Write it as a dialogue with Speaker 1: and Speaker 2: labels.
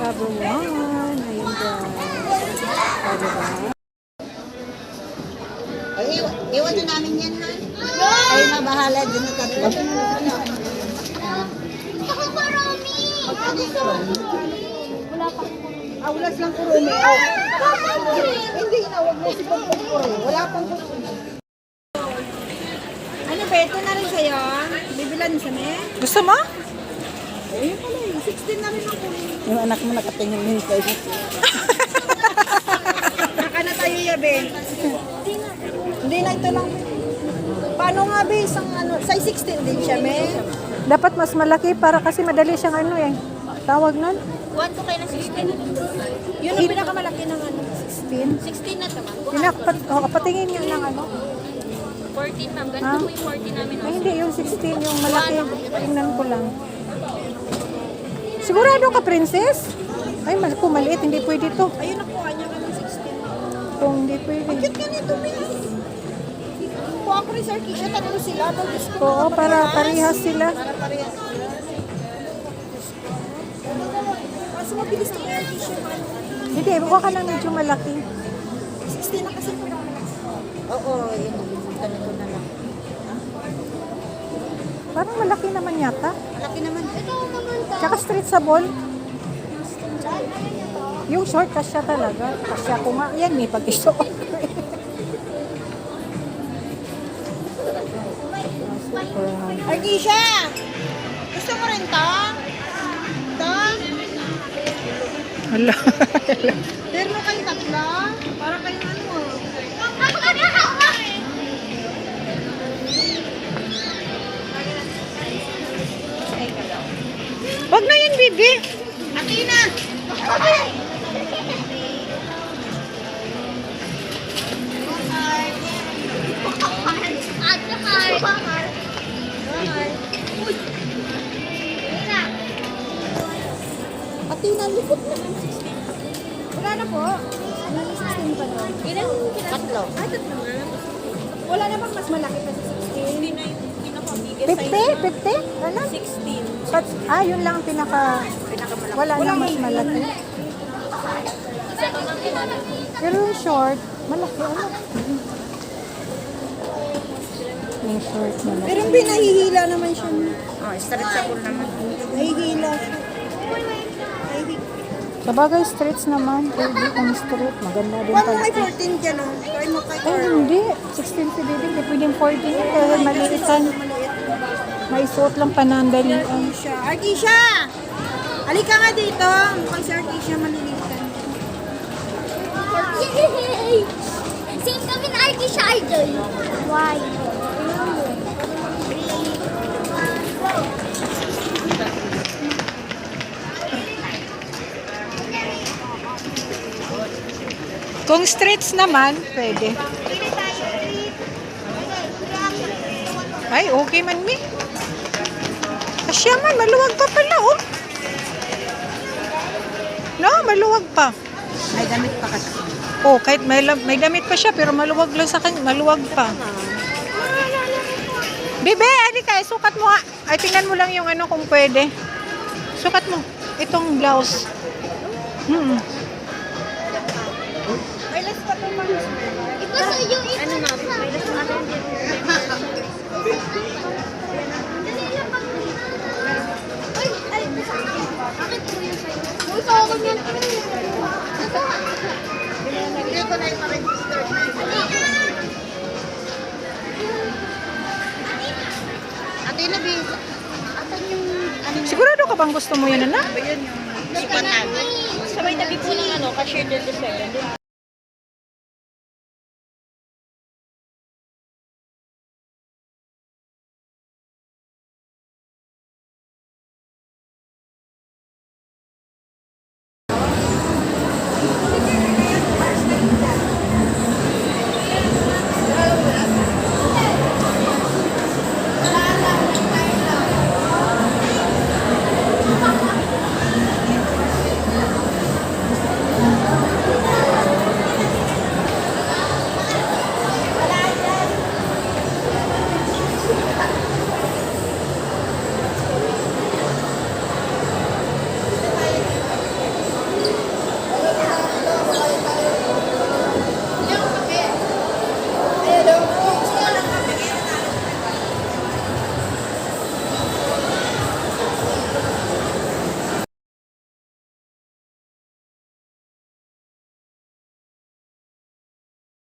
Speaker 1: Cover 1. Ayun guys. O, diba?
Speaker 2: Iwan na namin yan, ha? Ay, mabahala din na tatlo.
Speaker 3: Ako marami! Wala pa.
Speaker 2: Aulas lang kurumi. Hindi na, huwag mo si Pagpapuro. Wala pang kurumi.
Speaker 1: Ano ba? Ito na rin sa'yo. Bibilan sa me?
Speaker 4: Gusto mo?
Speaker 1: Ayun pala eh. 16 na rin ako.
Speaker 2: Yung anak mo nakatingin din kayo.
Speaker 1: Saka na tayo yabe. Hindi na ito lang. Paano nga be? Isang ano, size 16 din siya me?
Speaker 4: Dapat mas malaki para kasi madali siyang ano eh. Tawag nun?
Speaker 3: 1 to kayo ng 16.
Speaker 1: Yun ang pinakamalaki ng ano.
Speaker 4: 16.
Speaker 3: 16 na naman.
Speaker 4: Patingin niya ng ano.
Speaker 3: 14 ma'am. Ganito
Speaker 4: Ah?
Speaker 3: po yung 14 namin.
Speaker 4: Ay, hindi. Yung 16, yung malaki. Tingnan ko lang. Sigurado ka, princess? Ay, kung maliit, hindi pwede to.
Speaker 1: Ayun nakuha niya ka ng 16.
Speaker 4: Kung hindi pwede.
Speaker 1: Cute ka nito, Miss. Kuha ko rin sa Arkisha, tatlo sila. Tapos ko
Speaker 4: Oo, para parehas sila.
Speaker 1: Para parehas sila. Kasi mabilis na yung Arkisha.
Speaker 4: Hindi, buka ka ng medyo malaki.
Speaker 1: 16 na kasi po naman.
Speaker 2: Oo, yun. Ganito na lang.
Speaker 4: Parang malaki naman yata.
Speaker 2: Malaki naman.
Speaker 3: Ito naman ta.
Speaker 4: Tsaka street sa ball. Yung short, kasya talaga. Kasya ko nga. Yan, may pag-isuot ko eh.
Speaker 1: Arkisha! Gusto mo rin to? To?
Speaker 4: Hala.
Speaker 1: Pero mo kayong tatlo? Para kayong ano?
Speaker 4: Wag na yan, bibi.
Speaker 1: Atina!
Speaker 3: Ate Har.
Speaker 1: Atina, likot na. Wala na po. May 16 pa doon.
Speaker 3: Ilan?
Speaker 2: Tatlo.
Speaker 1: Ay, tatlo na. Wala na bang mas malaki pa sa 16?
Speaker 3: Hindi na yung pinaka-biggest
Speaker 4: 50? 50? Ano?
Speaker 3: 16.
Speaker 4: Yun lang ang pinaka... Wala na mas malaki.
Speaker 3: Isa ka lang pinaka.
Speaker 4: Pero yung short, malaki. Ano? Yung short, malaki.
Speaker 1: Pero pinahihila naman siya.
Speaker 2: Oh, stretchable naman.
Speaker 1: Nahihila siya.
Speaker 4: Sabagay, streets naman. Pwede kung street. Maganda din
Speaker 1: Huwag mo
Speaker 4: pala.
Speaker 1: may 14 dyan, no? Try mo kay
Speaker 4: Ay,
Speaker 1: Carl.
Speaker 4: hindi. 16 si baby. Hindi pwedeng 14 yun. Kaya maliitan. May suot lang panandalian.
Speaker 1: Arkisha. Arkisha! Halika nga dito. Mukhang si Arkisha malilitan.
Speaker 3: Yay! Same kami na Arkisha Idol. Why?
Speaker 4: Kung streets naman, pwede. Ay, okay man, mi. Asya man, maluwag pa pala, oh. No, maluwag pa.
Speaker 2: May damit pa kasi.
Speaker 4: Oh, kahit may damit pa siya, pero maluwag lang sa kanya, maluwag pa. Bebe, halika, sukat mo nga. Ay, tingnan mo lang yung ano kung pwede. Sukat mo. Itong blouse.
Speaker 1: May last pa ito pa.
Speaker 3: Iba sa iyo, iba ano na. May last pa ito. Ay, ay, bakit po yun sa'yo? Uy, tawag yan.
Speaker 2: Hindi ko na yung ma-register. Ate na, bis. Ate yung... Ano
Speaker 4: Sigurado ka bang gusto mo yun, anak?
Speaker 2: ba yun yung... Sipatan.
Speaker 3: Sabay tabi po ng ano, cashier del